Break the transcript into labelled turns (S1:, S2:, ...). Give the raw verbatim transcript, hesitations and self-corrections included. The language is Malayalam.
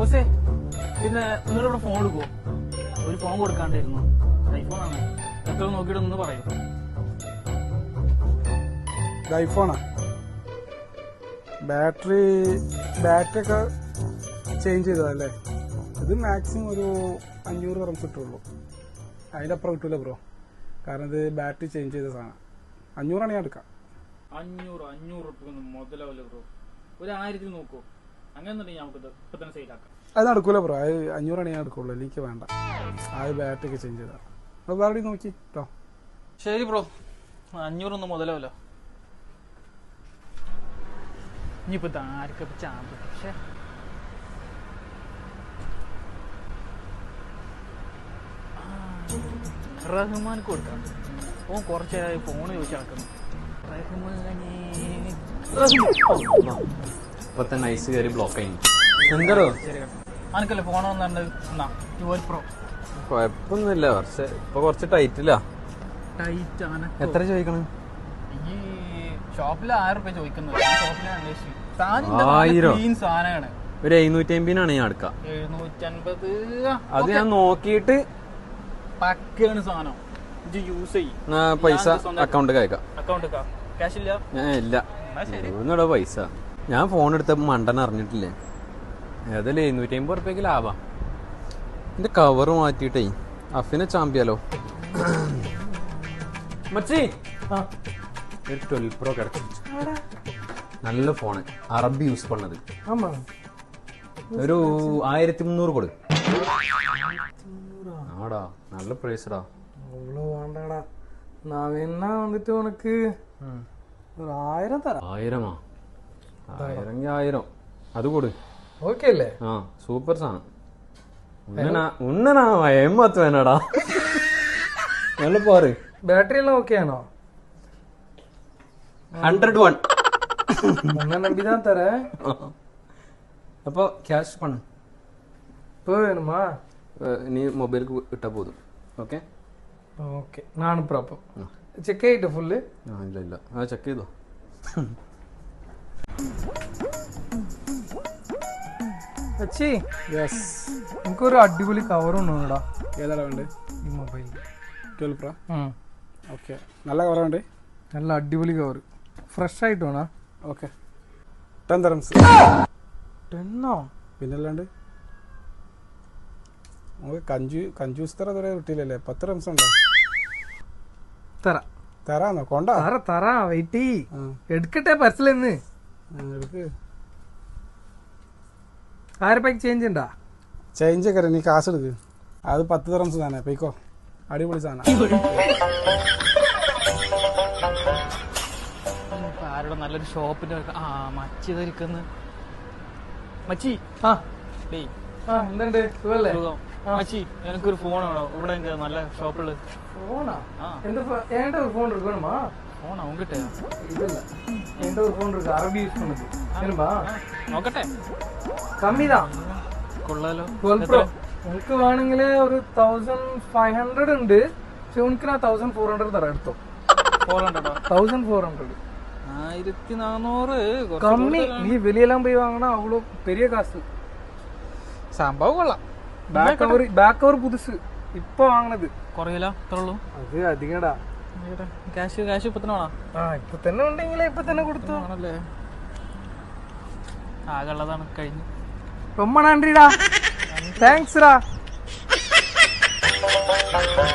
S1: ബോസേ പിന്നെ നിങ്ങളിവിടെ ഫോൺ എടുക്കുമോ? ഒരു ഫോൺ കൊടുക്കാണ്ടായിരുന്നു. ഐഫോണാണ്. എത്ര നോക്കിയിട്ട് ഒന്ന് പറയൂ.
S2: ഐഫോണാ? ബാറ്ററി ബാറ്ററി ഒക്കെ ചേഞ്ച് ചെയ്തതല്ലേ? ഇത് മാക്സിമം ഒരു അഞ്ഞൂറ് റംസ് കിട്ടുള്ളൂ. അതിൻ്റെ അപ്പുറം കിട്ടൂല ബ്രോ. കാരണം ഇത് ബാറ്ററി ചേഞ്ച് ചെയ്ത സാധനം. അഞ്ഞൂറാണ് ഞാൻ എടുക്കാം.
S1: അഞ്ഞൂറ് അഞ്ഞൂറ് റുപ്യ മുതലാവില്ല ബ്രോ. ഒരു ആയിരത്തിൽ നോക്കൂ. അങ്ങനെ നമുക്കിത് ഇപ്പൊ തന്നെ സെയിലാക്കാം.
S2: അത് നടക്കൂല ബ്രോ. അത് അഞ്ഞൂറാണ് ഞാൻ എടുക്കുള്ളൂ. എനിക്ക് വേണ്ട. ആ ബാറ്ററി ഒക്കെ ചേഞ്ച് ചെയ്താൽ അത് വേറെ നോക്കി കേട്ടോ.
S1: ശരി ബ്രോ, അഞ്ഞൂറൊന്നും മുതലാവില്ല. ഇനിയിപ്പോ ആർക്കൊക്കെ ചാമ്പ്. പക്ഷേ റഹ്മാൻ കൊടുക്കാം. ഓൻ കുറച്ചേരായി ഫോണ് ചോദിച്ചു നടക്കുന്നു.
S3: ഇപ്പൊ തന്നെ ഐസ് കയറി ബ്ലോക്ക് ആയി. എന്തോ
S1: അനക്കല്ലേ ഫോൺ വന്നിട്ടുണ്ട്. ട്വൽവ് പ്രോ
S3: കൊഴപ്പൊന്നുമില്ല. പക്ഷെ ഇപ്പൊ കുറച്ച് ടൈറ്റില്ല.
S1: ടൈറ്റ് ആണ്.
S3: എത്ര ചോദിക്കണം?
S1: ഈ ഷോപ്പിൽ ആയിരം റുപ്യ ചോദിക്കുന്നത്. ഷോപ്പിലാണ് അന്വേഷിച്ചു. സാധനമാണ്.
S3: ഒരു എഴുന്നൂറ്റി അമ്പതിനാണ് ഞാൻ എടുക്കാം.
S1: എഴുന്നൂറ്റി അൻപത്
S3: അത് ഞാൻ നോക്കിയിട്ട്
S1: പക്കാണ് സാധനം. ഇത് യൂസ് ചെയ്യും.
S3: പൈസ അക്കൗണ്ട് അയക്കാം.
S1: അക്കൗണ്ട് ക്യാഷ് ഇല്ല?
S3: ഞാൻ ഇല്ല. ഒന്നുകൂടെ പൈസ ഞാൻ ഫോൺ എടുത്തപ്പോ മണ്ടൻ അറിഞ്ഞിട്ടില്ലേ. ഏതായാലും എഴുന്നൂറ്റി അമ്പത് റുപ്യക്ക് ലാഭാ. എന്റെ കവറ് മാറ്റിയിട്ടേ അഫിനെ ചാമ്പിയാലോ. മച്ചി ഒരു ട്വൽവ് പ്രോ കിടച്ചു. നല്ല ഫോണ്. അറബി യൂസ് പണ്ണത്. ഒരു ആയിരത്തി മുന്നൂറ് കൊടു. ആടാ നല്ല പ്രൈസടാ.
S4: വേണ്ടടാ നവീന വന്നിട്ട് ഉനക്ക് ഒരു ആയിരം തരാം.
S3: ആയിരമാ? ആയിരം ആയിരം അത് കൊടു.
S4: ഓക്കെ അല്ലേ?
S3: ആ സൂപ്പർ സാധനം. ഉണ്ണനാ എമ്മത്ത് വേണടാ. നല്ല പോറ്.
S4: ബാറ്ററി എല്ലാം ഓക്കെ ആണോ?
S3: ഹൺഡ്രഡ് വൺ
S4: നമ്പിதான் തരேன்.
S3: അപ്പൊ ക്യാഷ് പണ്
S4: இப்போ வேணுமா?
S3: നീ മൊബൈലിക്ക് ഇട്ടാ പോതും. ഓക്കെ
S4: ഓക്കെ ഞാൻ അனுப்புறேன். அப்போ ചെക്ക് ചെയ്തിട്ട് ഫുള്ള്?
S3: ആ ഇല്ല ഇല്ല ആ ചെക്ക് ചെയ്തോ.
S4: അച്ചി
S2: യെസ്,
S4: എനിക്കൊരു അടിപൊളി കവർ ഉണ്ടോടാ.
S2: ഏതാടാ വേണ്ടത്?
S4: ഈ മൊബൈൽ
S2: ട്വൽവ് പ്രോ. ഓക്കെ, നല്ല കവർ വേണ്ടേ?
S4: നല്ല അടിപൊളി കവർ ഫ്രഷ് ആയിട്ട് വേണോ?
S2: ഓക്കെ, ടെൻ തരംസ്.
S4: ടെന്നോ?
S2: പിന്നല്ലാണ്ട് നമുക്ക് കഞ്ചു കഞ്ചൂസ് തറ ഇതുവരെ കിട്ടിയില്ലല്ലേ. പത്ത് റംസ് ഉണ്ടോ?
S4: തരാ
S2: തരാന്നോ? കൊണ്ട
S4: തറ തറാ വെയിറ്റ് എടുക്കട്ടെ പർസലെന്ന്.
S2: എടുക്ക്.
S4: ആയിരം രൂപയ്ക്ക് ചേഞ്ച് ഉണ്ടാ?
S2: ചേഞ്ച് ഒക്കെ നീ കാശ് എടുക്ക്. അത് പത്ത് തരംസ് തന്നെ. പോയിക്കോ, അടിപൊളി സാധനം.
S1: ആരുടെ നല്ലൊരു ഷോപ്പിന്റെ ആ മച്ചി ധരിക്കുന്ന മച്ചി.
S4: ആ
S1: ഡേയ്
S4: ആ എന്തുണ്ട് സുഖല്ലേ?
S1: മച്ചി എനിക്കൊരു ഫോൺ വേണോ? ഇവിടെ നല്ല ഷോപ്പുള്ളത്.
S4: ഫോണാ? എന്താ എന്റെ ഒരു ഫോൺ இருக்கு வேணுமா?
S1: ഫോണാ ഉങ്കിട്ടേ?
S4: இல்ல என்கிட்ட ஒரு ஃபோன் இருக்கு அரபி யூஸ் பண்ணுது. வேணுமா?
S1: നോക്കട്ടെ.
S4: കമ്മിதான்.
S1: കൊള്ളാലോ.
S4: ട്വൽവ് പ്രോ എനിക്ക് വേണമെങ്കിൽ ഒരു തൗസൻഡ് ഫൈവ് ഹൺഡ്രഡ് ഉണ്ട്. പക്ഷെ എനിക്ക് ഞാൻ തൗസൻഡ് ഫോർ ഹൺഡ്രഡ് തരാം. എടുത്തോ.
S1: ഫോർ ഹൺഡ്രഡോ?
S4: തൗസൻഡ് ഫോർ ഹൺഡ്രഡ്
S1: ആയിരത്തി നാനൂറ്
S4: കമ്മി. നീ വെളിയെല്ലാം പോയി വാങ്ങണ അവള് പെരിയ കാശ്.
S1: സംഭവം കൊള്ളാം.
S4: ബാക്ക് കവർ ബാക്ക് കവർ പുതുസ് ഇപ്പൊ വാങ്ങണത്.
S1: കുറയില്ല അത്രയുള്ളൂ.
S4: അത് അധികടാ.
S1: ക്യാഷ് ക്യാഷ് ഇപ്പൊ തന്നെ വേണോ?
S4: ആ ഇപ്പൊ തന്നെ ഉണ്ടെങ്കിൽ ഇപ്പൊ തന്നെ കൊടുത്തു
S1: ആണല്ലേ. ആകെ ഉള്ളതാണ് കഴിഞ്ഞു.
S4: ரொம்ப நன்றிடா. தேங்க்ஸ்டா.